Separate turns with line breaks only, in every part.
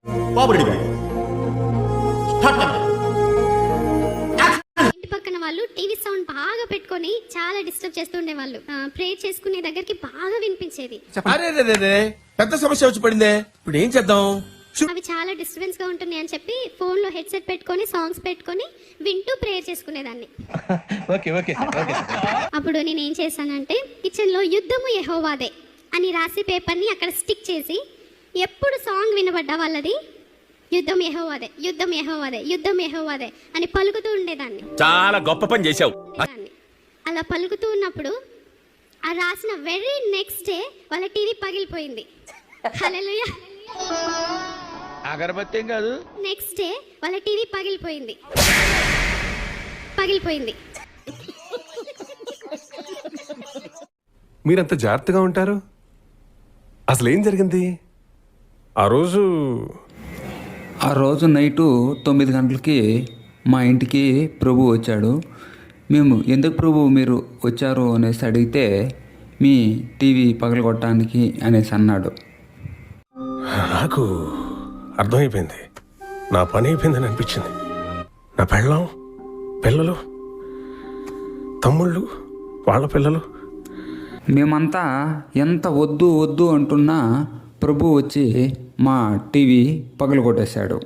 ఇంటి పక్కన వాళ్ళు టీవీ సౌండ్ బాగా పెట్టుకొని చాలా డిస్టర్బ్ చేస్తుండే వాళ్ళు. ప్రే చేసుకునే దగ్గరికి బాగా వినిపించేది.
పెద్ద సమస్య వచ్చి పడిందే, ఇప్పుడు ఏం చేద్దాం?
అవి చాలా డిస్టర్బెన్స్ గా ఉంటున్నాయి అని చెప్పి ఫోన్ లో హెడ్సెట్ పెట్టుకొని సాంగ్స్ పెట్టుకొని వింటూ ప్రేయర్ చేసుకునేదాన్ని. అప్పుడు నేను ఏం చేశానంటే కిచెన్ లో యుద్ధము యెహోవాదే అని రాసి పేపర్ ని అక్కడ స్టిక్ చేసి ఎప్పుడు సాంగ్ వినబడ్డా వాళ్ళది యుద్ధం యెహోవాదే, యుద్ధం యెహోవాదే, యుద్ధం యెహోవాదే అని పలుకుతూ ఉండేదాన్ని.
చాలా గొప్ప పని చేశావు.
అలా పలుకుతూ ఉన్నప్పుడు ఆ రాసిన వెరీ నెక్స్ట్ డే వాళ్ళ టీవీ పగిలిపోయింది. హల్లెలూయా.
అగరబత్తి కాదు,
నెక్స్ట్ డే వాళ్ళ టీవీ పగిలిపోయింది.
మీరంత జాగ్రత్తగా ఉంటారు, అసలు ఏం జరిగింది
ఆ రోజు నైటు 9 గంటలకి మా ఇంటికి ప్రభు వచ్చాడు. మేము ఎందుకు ప్రభు మీరు వచ్చారు అనేసి అడిగితే మీ టీవీ పగలగొట్టడానికి అనేసి అన్నాడు.
నాకు అర్థమైపోయింది, నా పని అయిపోయిందని అనిపించింది. నా పెళ్ళం, పిల్లలు, తమ్ముళ్ళు, వాళ్ళ పిల్లలు,
మేమంతా ఎంత వద్దు వద్దు అంటున్నా ప్రభు వచ్చి మా టీవీ పగలగొట్టేశాడు.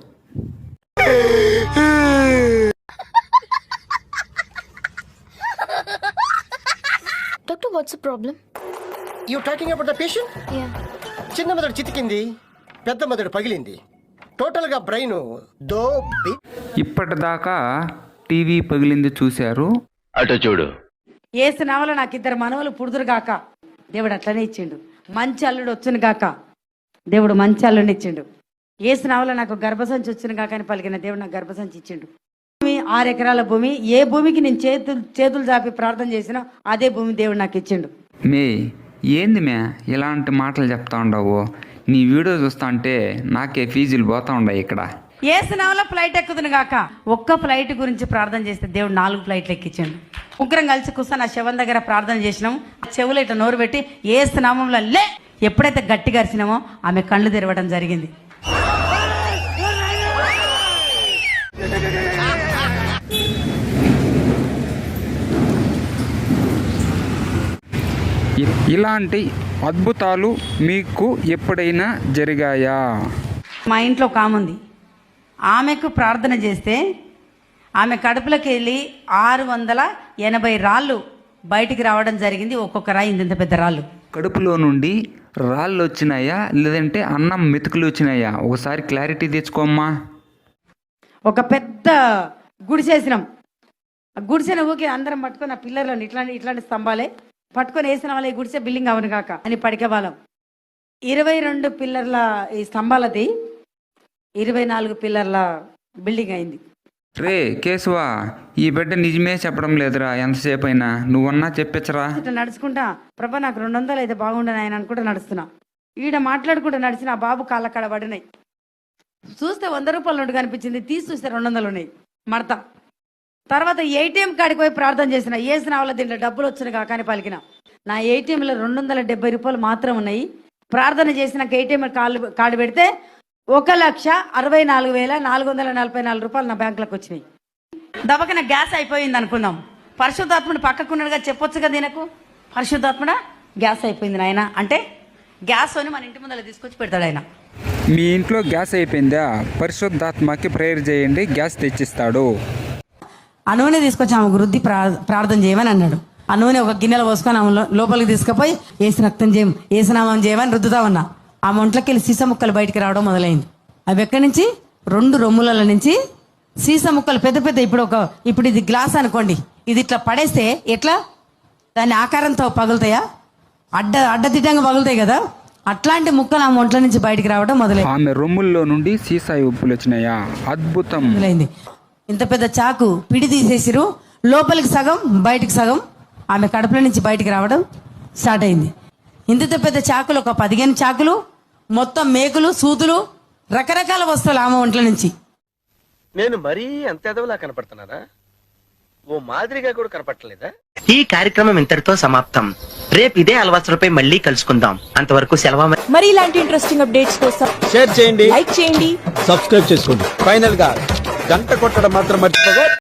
Doctor, what's the problem?
You talking about the patient?
Yeah.
చిన్న మెదడు చితికింది, పెద్ద మెదడు పగిలింది. టోటల్గా బ్రెయిన్
ఇప్పటిదాకా టీవీ పగిలింది చూశారు.
అటు చూడు.
ఏసిన వల్ల నాకు 2 మనవలు పుడుదురు గాక, దేవుడు అట్లనే ఇచ్చిండు. మంచి అల్లుడు వచ్చును గాక, దేవుడు మంచి అల్లుడిని ఇచ్చిండు. ఏసిన వల్ల నాకు గర్భసంచి వచ్చిన గాక అని పలికిన దేవుడు నాకు గర్భసంచి ఇచ్చిండు. 6 ఎకరాల భూమి, ఏ భూమికి నేను చేతులు చాపి ప్రార్థన చేసినా అదే భూమి దేవుడు నాకు ఇచ్చిండు.
మే ఏంది మే ఇలాంటి మాటలు చెప్తా ఉండవు? నీ వీడియో చూస్తా అంటే నాకే ఫీజులు పోతా ఉండవు. ఇక్కడ
ఏసిన వల్ల ఫ్లైట్ ఎక్కుతును గాక, ఒక్క ఫ్లైట్ గురించి ప్రార్థన చేస్తే దేవుడు 4 ఫ్లైట్లు ఎక్కించండు. ముగ్గురం కలిసి కూర్చొని ఆ శవం దగ్గర ప్రార్థన చేసినాం. చెవులు ఇట్లా నోరు పెట్టి ఏసు నామంలో లే, ఎప్పుడైతే గట్టిగా అరిచినామో ఆమె కళ్ళు తెరవడం జరిగింది.
ఇలాంటి అద్భుతాలు మీకు ఎప్పుడైనా జరిగాయా?
మా ఇంట్లో ఒక ఆమె ఉంది. ఆమెకు ప్రార్థన చేస్తే ఆమె కడుపులోకి వెళ్ళి 680 రాళ్ళు బయటికి రావడం జరిగింది. ఒక్కొక్క రాయి ఇంత పెద్ద రాళ్ళు.
కడుపులో నుండి రాళ్ళు వచ్చినాయా లేదంటే అన్నం మెతుకులు వచ్చినాయా? ఒకసారి క్లారిటీ తెచ్చుకోమ్మా.
ఒక పెద్ద గుడిసేసినాం. ఆ గుడిసెన ఊకి అందరం పట్టుకొని ఆ పిల్లర్లను ఇట్లాంటి స్తంభాలే పట్టుకొని వేసిన వాళ్ళ ఈ గుడిసె బిల్డింగ్ అవును కాక అని పడికే వాళ్ళం. 22 పిల్లర్ల ఈ స్తంభాలది 24 పిల్లర్ల బిల్డింగ్ అయింది.
రే కేశవా, ఈ బిడ్డ నిజమే చెప్పడం లేదురా. ఎంతసేపు అయినా నువ్వన్నా చెప్పచ్చరా.
ఇట్లా నడుచుకుంటా ప్రభా నాకు 200 అయితే బాగుండని ఆయన అనుకుంటా నడుస్తున్నా. ఈడ మాట్లాడుకుంటూ నడిచిన ఆ బాబు కాళ్ళ కాడ పడినాయి. చూస్తే 100 రూపాయల నోటు కనిపించింది, తీసి చూస్తే 200 ఉన్నాయి మడత. తర్వాత ఏటీఎం కాడికి పోయి ప్రార్థన చేసిన, ఏసిన వాళ్ళ దీంట్లో డబ్బులు వచ్చిన కాకని పలికిన. నా ఏటీఎంలో 270 రూపాయలు మాత్రం ఉన్నాయి. ప్రార్థన చేసినాక ఏటీఎం కార్డు పెడితే 1,64,444 రూపాయలు నా బ్యాంకులకు వచ్చినాయి. దబకన గ్యాస్ అయిపోయింది అనుకుందాం. పరిశుద్ధాత్ముడు పక్కకున్నాడుగా చెప్పొచ్చు కదా దీనకు, పరిశుద్ధాత్ముడా గ్యాస్ అయిపోయింది నాయన అంటే గ్యాస్ అని మన ఇంటి ముందర తీసుకొచ్చి పెడతాడు ఆయన.
మీ ఇంట్లో గ్యాస్ అయిపోయిందా? పరిశుద్ధాత్మకి ప్రేయర్ చేయండి, గ్యాస్ తెచ్చిస్తాడు.
ఆ నూనె తీసుకొచ్చి ఆమె వృద్ధి ప్రార్థన చేయమని అన్నాడు. ఆ నూనె ఒక గిన్నెలో పోసుకొని ఆమె లోపలికి తీసుకుపోయి ఏసు రక్తం చేయం, ఏసునామం చేయమని రుద్దుతా ఉన్నా. ఆమె ఒంట్లోకి వెళ్ళి సీసా ముక్కలు బయటికి రావడం మొదలైంది. అవి ఎక్కడి నుంచి 2 రొమ్ముల నుంచి సీసా ముక్కలు పెద్ద పెద్ద. ఇప్పుడు ఇది గ్లాస్ అనుకోండి, ఇది ఇట్లా పడేస్తే ఎట్లా దాని ఆకారంతో పగులుతాయా? అడ్డదిడ్డంగా పగులుతాయి కదా, అట్లాంటి ముక్కలు ఆమె ఒంట్ల నుంచి బయటికి రావడం మొదలైంది.
ఆమె రొమ్ముల్లో నుండి సీసాయి ఉప్పులు వచ్చినాయా? అద్భుతం.
మొదలైంది. ఇంత పెద్ద చాకు పిడి తీసేసిరు, లోపలికి సగం బయటికి సగం ఆమె కడుపుల నుంచి బయటికి రావడం స్టార్ట్ అయింది. ఇంత పెద్ద చాకులు ఒక 15 చాకులు, మొత్తం మేకులు, సూదులు, రకరకాల వస్తువులు ఆమె ఒంట్ల నుంచి.
నేను మరీ అంత ఎదవలా కనపడుతున్నారా?
ఓ మాదిరిగా కూడా కనపట్టలేదా?
ఈ కార్యక్రమం ఇంతటితో సమాప్తం. రేపు ఇదే అలవాసులపై మళ్ళీ కలుసుకుందాం. అంతవరకు సెలవు.
మరి ఇలాంటి ఇంట్రెస్టింగ్ అప్డేట్స్ కోసం
షేర్ చేయండి,
లైక్ చేయండి.
సబ్స్క్రైబ్ చేసుకోండి. ఫైనల్ గా గంట కొట్టడం మాత్రం మర్చిపోగా